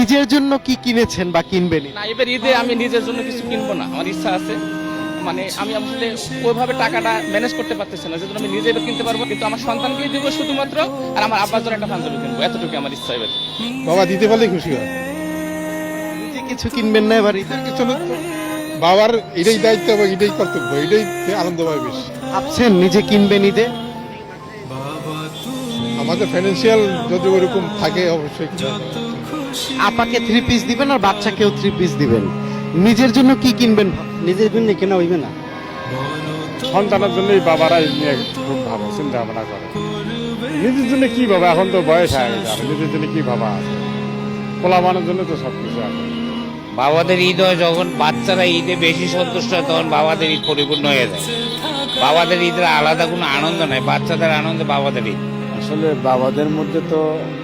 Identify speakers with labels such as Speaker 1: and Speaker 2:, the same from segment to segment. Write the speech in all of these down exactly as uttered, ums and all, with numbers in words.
Speaker 1: নিজের জন্য কি কিনেছেন বা কিনবেন?
Speaker 2: না, এবার ঈদে আমি নিজের জন্য কিছু কিনবো না, আমার ইচ্ছা আছে। মানে আমি আসলে ওইভাবে টাকাটা ম্যানেজ করতে পারতেছি না, যেহেতু আমি নিজে এবার কিনতে পারবো, কিন্তু আমার সন্তানকেই দিব শুধুমাত্র, আর আমার আব্বার জন্য একটা পাঞ্জাবি কিনবো, এতটুকু আমার ইচ্ছা এবার।
Speaker 3: বাবা দিতে পারলে খুশি হয়।
Speaker 1: নিজে কিছু কিনবেন না এবার ঈদে?
Speaker 3: চলো, বাবার এটাই দায়িত্ব এবং এটাই কর্তব্য, এটাই আনন্দ পায় বেশি।
Speaker 1: ভাবছেন নিজে কিনবেন ঈদে?
Speaker 3: আমাদের ফাইন্যান্সিয়াল যদি ওরকম থাকে অবশ্যই কিনা হবে।
Speaker 1: আপাকে থ্রি পিস দিবেন আর বাচ্চাকেও থ্রি পিস দিবেন, নিজের জন্য কি কিনবেন?
Speaker 4: নিজের জন্য কেনা হইবে না,
Speaker 5: সন্তানের জন্যই বাবারা এই নিয়ে খুব ভালো চিন্তা ভাবনা করে। নিজের জন্য কি বাবা, এখন তো বয়স হয়ে গেছে, আর নিজের জন্য কি বাবা আছে? পোলাবানের জন্য তো সবকিছু আছে।
Speaker 6: বাবাদের ঈদ হয় যখন বাচ্চারা ঈদে বেশি সন্তুষ্ট হয়, তখন বাবাদের ঈদ পরিপূর্ণ হয়ে যায়। বাবাদের ঈদের আলাদা কোনো আনন্দ নাই, বাচ্চাদের আনন্দে বাবাদের ঈদ।
Speaker 7: আসলে বাবাদের মধ্যে তো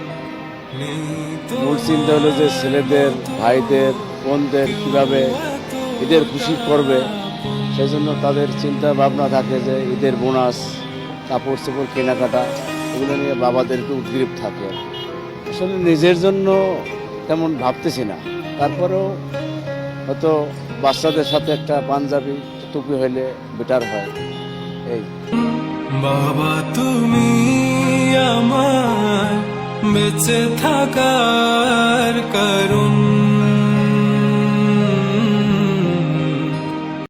Speaker 7: মূল চিন্তা হলো যে ছেলেদের, ভাইদের, বোনদের কিভাবে ঈদের খুশি করবে, সেই জন্য তাদের চিন্তা ভাবনা থাকে যে ঈদের বোনাস, কাপড় চোপড় কেনাকাটা, এগুলো নিয়ে বাবাদেরকে উদ্গ্রীব থাকে। আসলে নিজের জন্য তেমন ভাবতেছি না, তারপরেও হয়তো বাচ্চাদের সাথে একটা পাঞ্জাবি টুপি হইলে বেটার হয়। এই
Speaker 8: বাবা তুমি আমার বেঁচে থাকার কারণ।